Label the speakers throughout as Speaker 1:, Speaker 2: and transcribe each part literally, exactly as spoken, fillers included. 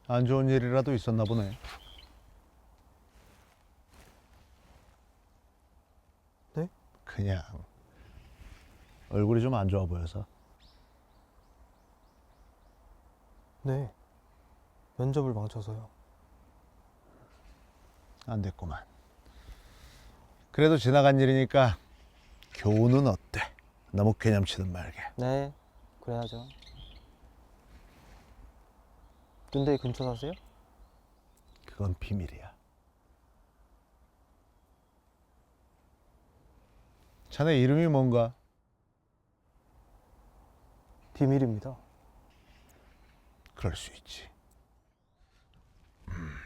Speaker 1: 안 좋은 일이라도 있었나 보네.
Speaker 2: 네?
Speaker 1: 그냥 얼굴이 좀 안 좋아 보여서.
Speaker 2: 네. 면접을 망쳐서요.
Speaker 1: 안 됐구만. 그래도 지나간 일이니까 교훈은 어때? 너무 개념치든 말게.
Speaker 2: 네, 그래야죠. 근데 근처 사세요?
Speaker 1: 그건 비밀이야. 자네 이름이 뭔가?
Speaker 2: 비밀입니다.
Speaker 1: 그럴 수 있지. 음.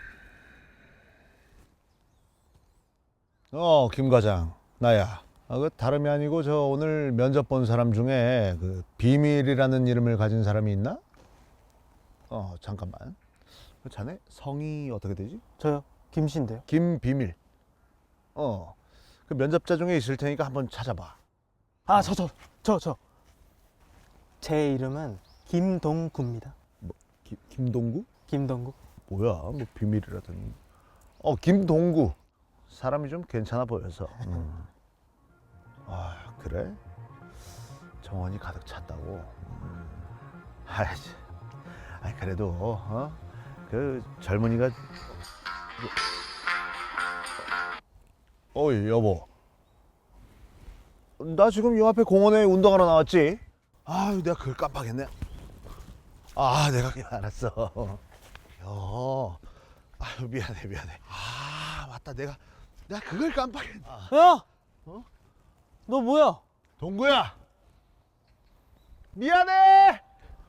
Speaker 1: 어, 김 과장, 나야. 아, 그 다름이 아니고 저 오늘 면접 본 사람 중에 그 비밀이라는 이름을 가진 사람이 있나? 어, 잠깐만. 그 자네 성이 어떻게 되지?
Speaker 2: 저요, 김씨인데요.
Speaker 1: 김비밀. 어, 그 면접자 중에 있을 테니까 한번 찾아봐.
Speaker 2: 아, 저, 저, 저, 저. 제 이름은 김동구입니다.
Speaker 1: 김, 김동구?
Speaker 2: 김동구.
Speaker 1: 뭐야, 뭐 비밀이라더니. 어, 김동구. 사람이 좀 괜찮아 보여서. 음. 아, 그래? 정원이 가득 찼다고. 음. 아이씨. 아이, 그래도 어? 그 젊은이가. 어이, 여보. 나 지금 요 앞에 공원에 운동하러 나왔지? 아유, 내가 그걸 깜빡했네. 아, 내가 그냥 알았어. 여. 아유, 미안해, 미안해. 아, 맞다. 내가 내가 그걸 깜빡했네. 아.
Speaker 2: 야!
Speaker 1: 어?
Speaker 2: 너 뭐야?
Speaker 1: 동구야. 미안해.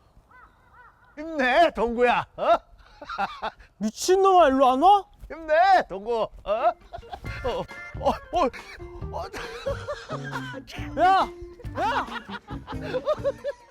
Speaker 1: 힘내, 동구야. 어?
Speaker 2: 미친놈아, 일로 안 와?
Speaker 1: 힘내, 동구. 어? 어, 어, 어, 어.
Speaker 2: 야! 야!